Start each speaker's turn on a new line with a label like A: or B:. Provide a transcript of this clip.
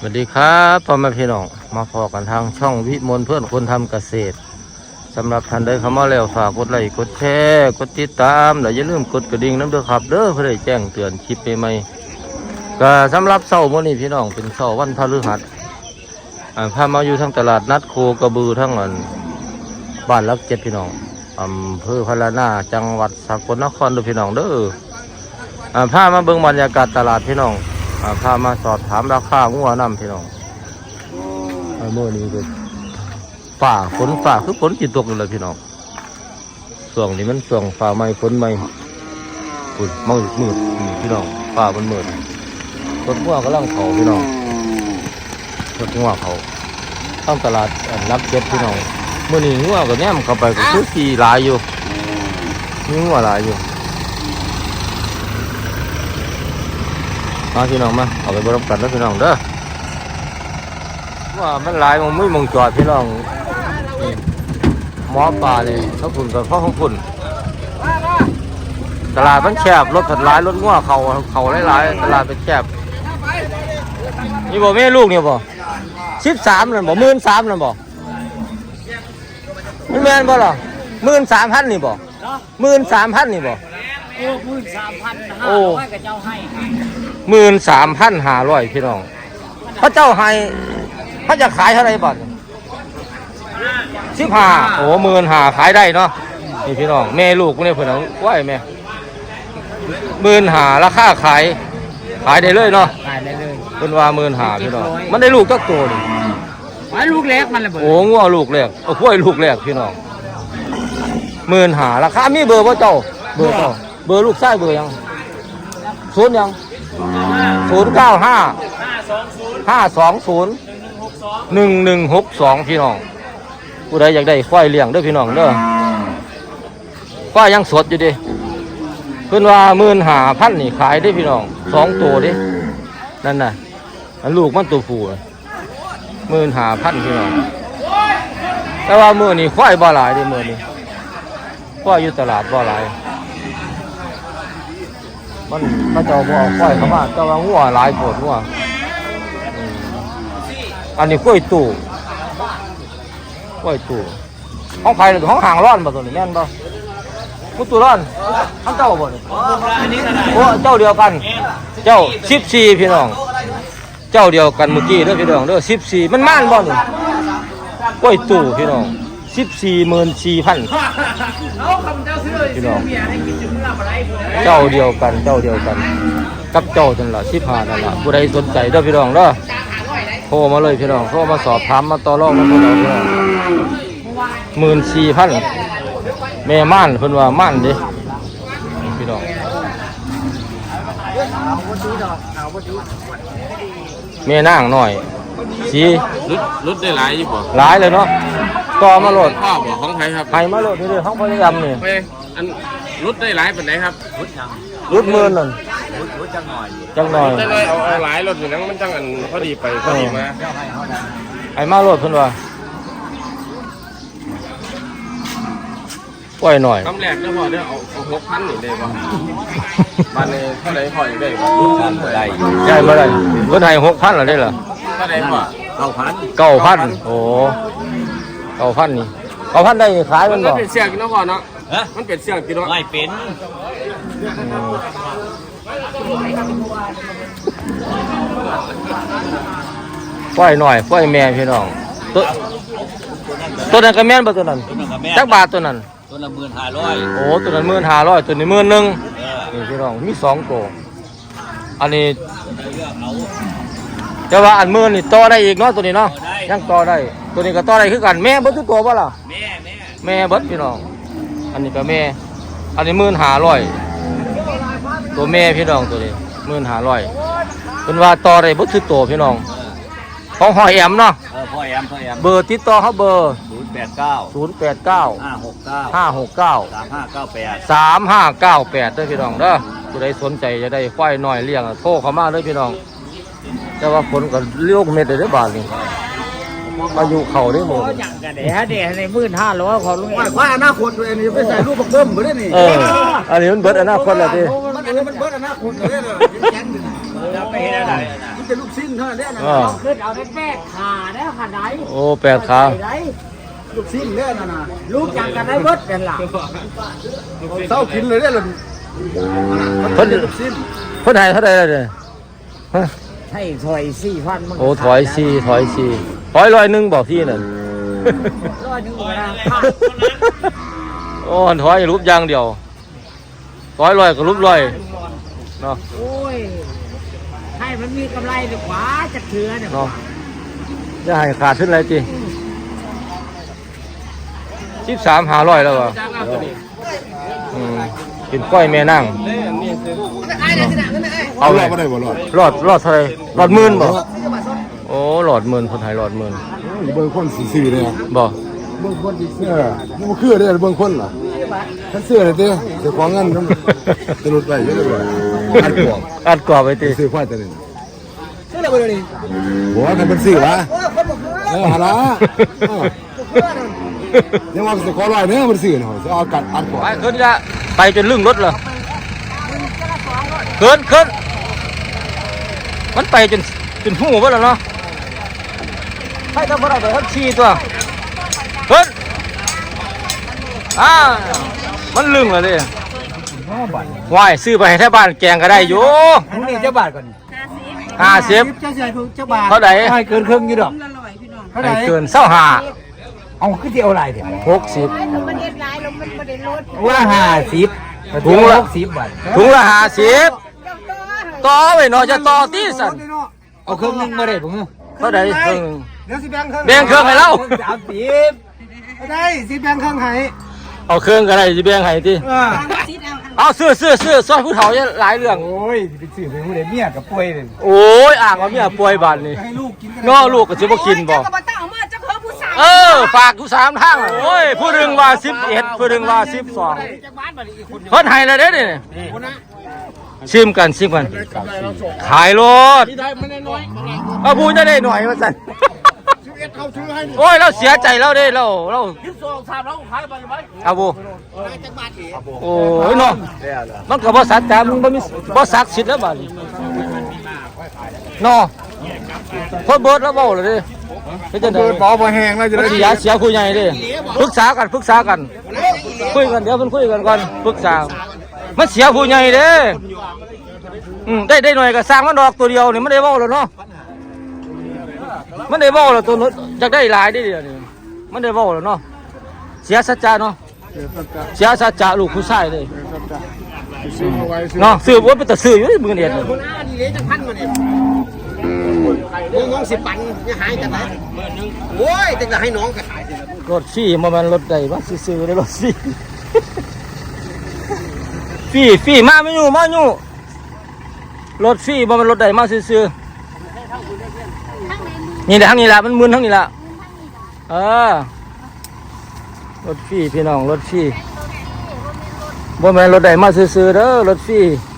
A: สวัสดีครับพ่อแม่พี่น้องมาพอกันทางช่องวิมลเพื่อนคนทำเกษตรสำหรับท่านใดเข้ามาแล้วฝากกดไลค์กดแชร์กดติดตามและอย่าลืมกดกระดิ่งน้ำเด้อครับเด้อเพื่อได้แจ้งเตือนคลิปใหม่ๆก็สำหรับเสาร์มื้อนี้พี่น้องเป็นเสาร์วันพฤหัสพามาอยู่ทั้งตลาดนัดโคกระบือทั้งบ้านลักเจ็ดพี่น้องอำเภอพะละนาจังหวัดสกลนครเด้อพี่น้องเด้อพามาเบิ่งบรรยากาศตลาดพี่น้องพามาสอบถามราคางัวน้ำพี่น้องเมื่อนี้ก็ฝนคือฝนจิตตกเลยพี่น้องช่วงนี้มันช่วงฝ่าไม้ฝนไม้ฝุ่นมืดพี่น้องฝ่ามันมืดรถงัวกำลังเขาพี่น้องรถงัวเขาต้องตลาดรับเก็บพี่น้องเมื่อนี้งัวก็แนมเข้าไปก็คือขี่หลายอยู่มีงัวหลายอยู่มาพี่น้องมาเอาไปบริการแล้วพี่น้องเด้อว่ามันหลายมองไม่มองจอดพี่น้องหมอปลาเลยเขาฝุ่นกับพ่อของฝุ่นตลาดมันแคบรถถัดหลายรถงัวเขาหลายตลาดเป็นแคบนี่บอกแม่ลูกเนี่ยบอก13เลยบอก13เลยบอกไม่แม่นบ่หรอ13,000นี่บอก13,000นี่บอกโอ้13,500พี่น้องพระเจ้าให้พระจะขายเท่าไรบ่15โอ้15,000ขายได้เนาะนี่พี่น้องแม่ลูกเนี่ยเพิ่นเอาไว้แม่15,000ราคาขายได้เลยเนาะ
B: ขายได้เลย
A: เพิ่นว่า15,000พี่น้องมันได้ลูกจักตัวนี่
B: ลูกแรกมันระเบิด
A: โอ้งัวลูกแรกเอาควายลูกแรกพี่น้อง15,000ราคามีเบอร์บ่เจ้าเบอร์ลูกชายเบอร์ยัง0ยัง095201162พี่น้องผู้ใดอยากได้ควายเลี้ยงเด้อพี่น้องเด้อควายยังสดอยู่ดิเพิ่นว่า15,000นี่ขายได้พี่น้อง2ตัวดินั่นน่ะอันลูกมันตัวผู้15,000พี่น้องแต่ว่ามื้อนี้ควายบ่หลายเด้มื้อนี้ควายอยู่ตลาดบ่หลายมันพระเจ้าบ่เอาควายเข้ามาแต่ว่างัวหลายโพดงัวอันนี้กล้วยตู่ของใครหรือของห่างร้อนบ่ตัวนี้แม่นบ่มุตู่ร้อนทั้งเจ้าบ่นี่โอ้เจ้าเดียวกันเจ้า14พี่น้องเจ้าเดียวกันเมื่อกี้เด้อพี่น้องเด้อ14มันม่านบ่นี่กล้วยตู่พี่น้อง14,400,000พี่น้องเจ้าเดียวกันกับเจ้านั่นล่ะ15นั่นล่ะผู้ใดสนใจเด้อพี่น้องเด้อโทรมาเลยพี่น้องโทรมาสอบถามมาต่อรองกันพี่น้อง14,000แม่ม่านเพิ่นว่าม่านเด้พี่น้องแม่นางหน่อยสี
C: รถได้หลายอยู่บ่
A: หลายเลยเนาะต่อมาโหลด
C: พ่อบ่ของไทยครับ
A: ให้มาโหลดนี่ๆของพยายามนี่
C: อันรถได้หลายปานใดครับ
A: รุดหมื่นนั่นจังหน่อย
C: แต่เลยเอาหลายรถอยู่นั้นมันจังอันพอดีไปพอดีมา
A: ให้มาโหลดเพิ่นว่าปล่อยหน่อย
C: คำแรกเด้อพ่อเด้อเอา6,000นี่ได้บ่บ้านนี้เท่าใดพ่ออยากได้บ่
A: ได้บ่ได้เพิ่นให้ 6,000ล่ะได้เหรอ
C: เท่าใดพ่อ
A: 9,000โอ้9,000นี่9,000ได้ขายมันบ่
C: มันเป็นเสียงกินเนาะพ่อเนาะมันเป็นเสียงกินเนาะ
B: ไม่เป็น
A: ปล่อยหน่อยปล่อยแม่พี่น้องตัวนั้นก็แม่นบ่ตัวนั้นจักบาทตัวนั้น
B: ตัวละ15,000
A: โอ้ตัวนั้น15,000ตัวนี้11,000นี่พี่น้องมี2ตัวอันนี้แต่ว่าอัน10,000นี่ต่อได้อีกเนาะตัวนี้เนาะยังต่อได้ตัวนี้ก็ต่อได้คือกันแม่เบิดทุกตัวบ่ล่ะแม่เบิดพี่น้องอันนี้ก็แม่อันนี้15,000ตัวแม่พี่น้องตัวนี้15,000เป็นว่าต่อได้เบิดทุกตัวพี่น้องของหอยแอมเนาะ
B: พ่อแอม
A: เบอร์ติดต่อเขาเบอร์
B: 089 569
A: 3598ด้วยพี่น้องเด้อผู้ใดสนใจจะได้ควายน้อยเลี้ยงโทรเข้ามาเลยพี่น้องแต่ว่าคนก็เลี้ยงเม็ดได้บาทนี่มาอยู่เขาได้หมด
B: อย่างกันเดี๋ยวใน15,000เขาลุงเอง
D: ว่าอนาคตตัวนี้ไปใส่รูปบักเบิ้มบ่ได้นี่
A: อันนี้มันเบิดอนาคตแล้วดิ
D: มันเบิดอนาคตเลย
B: จะไปเห็นอะไร
D: มันจะแต่ลูกชิ้นเท่านั้นแหละนะ
B: ขึ้นเอาได้แป้ขาแล้วขาไหน
A: โอ้แปดขา
D: ลูกชิ้นเนี่ยนะ
B: ลูกจังกันได้เบิดเป็นหลัก
D: เศร้ากินเลยเนี่ยล่ะ
A: เพิ่น
D: ลูกชิ้น
A: เพิ่นให้เท่าใดแล้วเนี่ยฮะ
B: ให้ถอย4,000มัน
A: โอ้ถอยร้อยหนึงบอกพี่น่ะ
B: ร้อยหนึงก็ได้ขาด
A: โอ้ถอยรูปอย่างเดียวร้อยก็รูปร้อยเนาะ
B: โอ้ยให้มันมีกำไรดีกว่าจะเถื่อเนี่ย
A: เนาะจะให้ขาดขึ้นอะไรจี13,500แล้ววะเป็นก้อยแม่นั่งเอาเลย
D: บ่ได้บ่รอด
A: หลอดเท่าไหรหลอดหมื่นบ่โอ้หลอดหมื่นคนไทยหลอดหมื่น
D: เบิ่งคนสีๆเลย
A: บ่
D: เบิ่งคนสีเสื้อมันบ่คือเด้เบิ่งคนล่ะถ้าเสื้อเลยเด้เสื้อของเงินมันจะหลุดไปเยอะเลยอัดกวง
A: อัดกรอบไปตี
D: ซื้อควายตัวนี้ซื้ออะไรบ่นี่บ่กันเป็นซื้อวะหาละยังว่าสิขอร้อยเด้อมันซื้อเนาะสิเอากัดอัดกวง
A: ไปขึ้นจะไปจนลึงรถเหรอขึ้นมันไปจนหูวะแล้วเนาะให้ทำอะไรไปทับชีตัวขึ้นมันลึงเลยดิวายซื้อไปให้แท้บ้านแกงก็ได้อยู่
B: ทั้งนี้เจ้าบาทก่อน
A: 50
B: เจ้าใหญ่เจ้าบาท
A: เท่าไหร่
B: ให้เกินครึ่งอยู่ดอก
A: ให้เกิน25
B: เอาขึ้นที่เอาอะไรเดี๋ยว
A: 60
B: ว่า50ถุงละ60 บาท
A: ถุงละ50ต่อไปเนาะจะต่อตีสัน
B: เอาครึ่งนึงมาได้ผม
A: เท่าไหร่ครึ่ง
D: เดี๋ยวสิแบ่งครึ่ง
A: แบ่งเครื่องให้เรา
B: 30
D: ได้สิแบ่งครึ่งให้
A: เอาเครื่องก็ได้สิแบ่งให้ติเอาซื้อซอยผู้เฒ่าเนี่ยหลายเรื่อง
B: โอ้ยไปซื้อไปผู้ใดเมียกับป่วยเลย
A: โอ้ยอ่างว่าเมียป่วยบาดนี่
D: ให้ลูกกินกัน
A: ง้อลูกก็สิบ่กินบ่ฝากอยู่3ทางอะโอ้ยผู้หนึงว่า11ผู้หนึงว่า12เพิ่นให้แล้วเด้นี่ชิมกันขายรถเอาผู้จะได้หน่อยว่าซั่นโอ้ยเราเสียใจแล้วเด้เราเอาบ่โอ้ยเนาะมันก็บ่สัตย์จามึงบ่ศักดิ์สิทธิ์แล้วบาดนี้เนาะเพิ่นเบิดแล้วเว้าเลยเด้เฮ็ดจังได๋
D: บ่แห้งแล้วจะได้
A: เสียคุยใหญ่เด้ปรึกษากันคุยกันเดี๋ยวเพิ่นคุยกันก่อนปรึกษามันเสียผู้ใหญ่เด้ได้หน่อยก็สร้างมันดอกตัวเดียวนี่มันได้เว้าแล้วเนาะมันได้เว้าแล้วตัวนู้นอยากได้หลายได้เดี๋ยวนี้มันได้เว้าแล้วเนาะเสียสัจจะเนาะเสียสัจจะลูกผู้ชายเลยเนาะซื้อบ่เป็นตาซื้ออยู่มื้อนี้
C: คุณอาดีเลยจะพันมาเนี่ยมึงง10 ปันจะหายจากไหนโอ้ยแต่จะให้น้องก็ขาย
A: รถฟรีบ่แม่นรถใดว่าซื้อๆได้รถฟรีมาไม่อยู่รถฟรีบ่แม่นรถใดมาซื้อๆนี่แหละทางนี้ล่ะมันมึนทางนี้ล่ะรถฟรีพี่น้องรถฟรีบ่แม่นรถใดมาซื้อๆเด้อรถฟรี